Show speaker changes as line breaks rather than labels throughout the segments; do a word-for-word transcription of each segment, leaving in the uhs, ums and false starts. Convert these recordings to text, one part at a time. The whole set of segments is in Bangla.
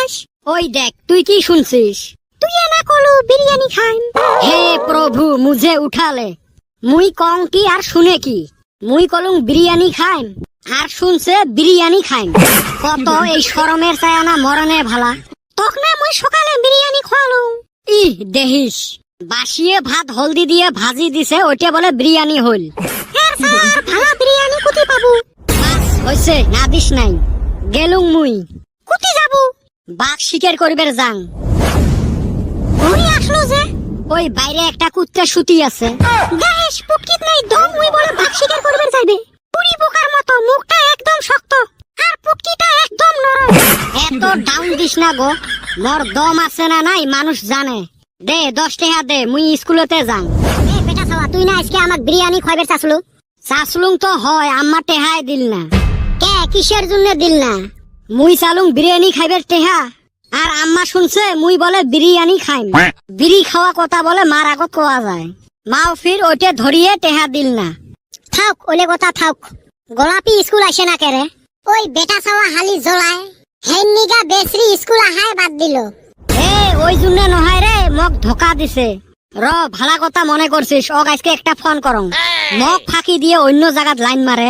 শুনছিস? ওই দেখ তুই কি শুনছিস? তুই না কলু বিরিয়ানি খাইম। হে প্রভু মুঝে উঠালে। মুই কং কি আর শুনে কি? মুই কলুম বিরিয়ানি খাইম আর শুনছে বিরিয়ানি খাইম। কত এই শরমের ছায়ানা মরণে ভালা। তখ না মুই সকালে বিরিয়ানি খাওয়ালুম। ই দেহিস বাসিয়ে ভাত হলদি দিয়ে ভাজি দিছে, ওইটা বলে বিরিয়ানি হইল। হ্যাঁ স্যার, ভালো বিরিয়ানি কুতি পাবো? বাস হইছে, না দিস নাই। গেলুম মুই। কুতি যাবো? বাঘ শিকার করিবার যাং। ওই আসলো যে ওই বাইরে একটা কুত্তা শুতি আছে। গাইস পুটকিত নাই দম, ওই বলে বাঘ শিকার করিবার যাইবে। পুরি পোকার মতো, মুখটা একদম শক্ত আর পুটকিটা একদম নরম। এত ডাউন দিস না গো, মোর দম আছে না নাই মানুষ জানে। দে দশ টাকা দে, মুই স্কুলেতে যাং। এ বেটা সাওয়া, তুই না আজকে আমাক বিরিয়ানি খাইবার চাসলু? চাসলুং তো হয়, আম্মা টেহাই দিল না। কে কিসের জন্য দিল না? মুই চালুং বিরিয়ানি খাইবার টেহা, আর আম্মা শুনছে মুই বলে বিরিয়ানি খাইম। বিড়ি খাওয়া কথা বলে মার আগত কোয়া যায়। মাও ফির ওইটা ধরিয়ে টেহা দিল না। থাক ওলে কথা থাক। গোলাপি স্কুল আসে না কেরে? ওই বেটা সাওয়া হালি জ্বলায়, হেন নিগা বেসরি স্কুল আহায় বাদ দিল। এ ওই জন্য নহয় রে, মক ধোকা দিছে। র ভালা কথা মনে করছিস, ওক আজকে একটা ফোন করং। মক ফাঁকি দিয়ে অন্য জায়গাত লাইন মারে।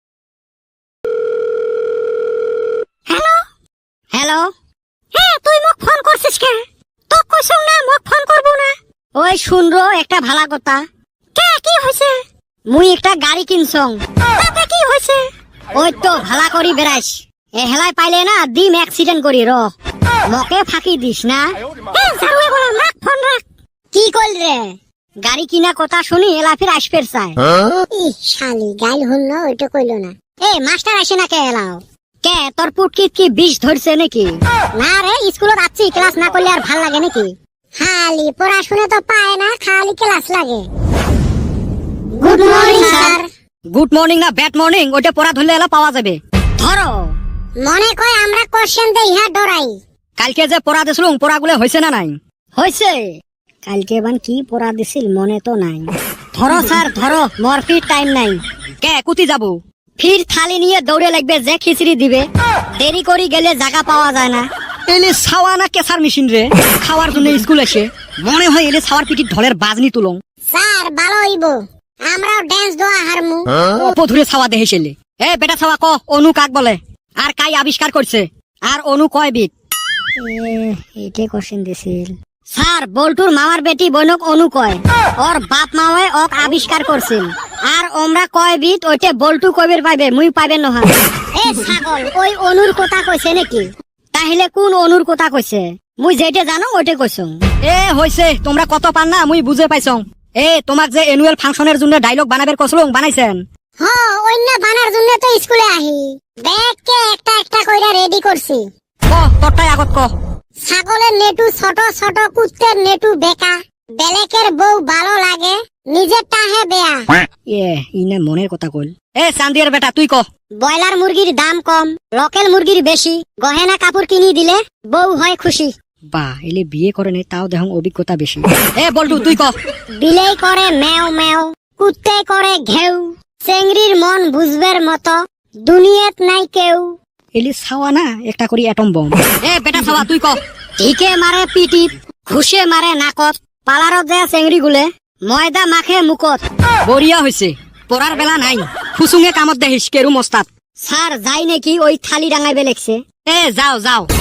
হ্যালো হ্যালো, হ্যাঁ তুই মোক ফোন করছিস কে? তোক কইছং না মোক ফোন করব না। ওই শুন রো একটা ভালা কথা। কে কি হইছে? মুই একটা গাড়ি কিনছং। তাতে কি হইছে? ওই তো ভালা করি বেড়াইস, এ হেলাই পাইলে না দিম অ্যাক্সিডেন্ট করি। র মকে ফাঁকি দিস না। এ জারুয়ে বললাম রাখ ফোন রাখ। কি কইল রে? গাড়ি কিনা কথা শুনি এলা ফির আসপের চাই। ই শালি গাইল হল না, ওইটা কইলো না। এ মাস্টার আসে না কে এলাও? কে তোর পুটকিত কি বিষ ধরছে নাকি? না রে, স্কুলত আছি, ক্লাস না করলে আর ভাল লাগে নাকি? খালি পড়াশুনে তো পায় না, খালি ক্লাস লাগে। Good morning sir. Good morning না ব্যাড মর্নিং, ওটা পড়া ধরলে এলা পাওয়া যাবে। ধরো। মনে কয় আমরা কোশ্চেন দেই ইহা ডরাই। কালকে যে পড়া দিছিলুম পড়াগুলো হইছে না নাই? হইছে। কালকে বান কি পড়া দিছিল মনে তো নাই। ধরো স্যার ধরো, মোর ফির টাইম নাই। কে কুতি যাবো? ফির থালি নিয়ে দৌড়ে লাগবে, যে খিচড়ি দিবে। দেরি করি গেলে জায়গা পাওয়া যায় না। এলে ছাওয়া না কেসার মেশিন রে খাওয়ার জন্য স্কুল এসে মনে হয় এলে ছাওয়ার পিটির ঢলের বাজনি তুলং। স্যার ভালো হইব, আমরাও ড্যান্স দোয়া হারমু। পধুরে ছাওয়া দেহে ছেলে। এ বেটা ছাওয়া ক অনু কাক বলে, আর কাই আবিষ্কার করছে, আর অনু কয় বিট? এইটা কোশ্চেন দিছিল স্যার। বল্টুর মামার বেটি বনক অনু কয়, ওর বাপ মাওয়ে ওক আবিষ্কার করছিল। আর ওমরা কয় বিট ওইটা বল্টু কইবের পাইবে, মুই পাইবে নহা। এ ছাগল, ওই অনুর কথা কইছে নাকি? তাহলে কোন অনুর কথা কইছে? মুই যেটা জানো ওইটা কইছো। এ হইছে, তোমরা কত পান না মুই বুঝে পাইছং। এ তোমাক যে অ্যানুয়াল ফাংশনের জন্য ডায়লগ বানাবের কসলং বানাইছেন? হ্যাঁ, অন্য বানার জন্য তো স্কুলে আহি। ব্যাগকে একটা একটা কইরা রেডি করছি। ক তোরটাই আগত ক। ছাগলের নেটু ছোট ছোট, কুত্তের নেটু বেকা, বেলেকের বউ ভালো লাগে, নিজেরটা হে বেয়া। এ ইনে মনের কথা কইল। এ চান্দিয়ার বেটা তুই ক। ব্রয়লার মুরগির দাম কম, লোকাল মুরগির বেশি, গহেনা কাপড় কিনি দিলে বউ হয় খুশি। বা এলে বিয়ে করে নাই তাও দেখো অভিজ্ঞতা বেশি। এ বল্টু তুই ক। বিলেই করে মেও মেও, কুত্তে করে ঘেউ, চেংড়ির মন বুঝবের মতো দুনিয়াত নাই কেউ। এলি ছাওয়া না একটা করি অ্যাটম বম। এ বেটা ছাওয়া তুই ক। ঠিকে মারে পিটিত, ঘুষে মারে নাকত, পালারত যায় চেংড়ি গুলে, ময়দা মাখে মুখত। বড়িয়া হইছে, পড়ার বেলা নাই, ফুসুঙে কামত দেখিস কেরু মস্তাত। স্যার যাই নাকি ওই থালি ডাঙাইবে লেখছে। এ যাও যাও।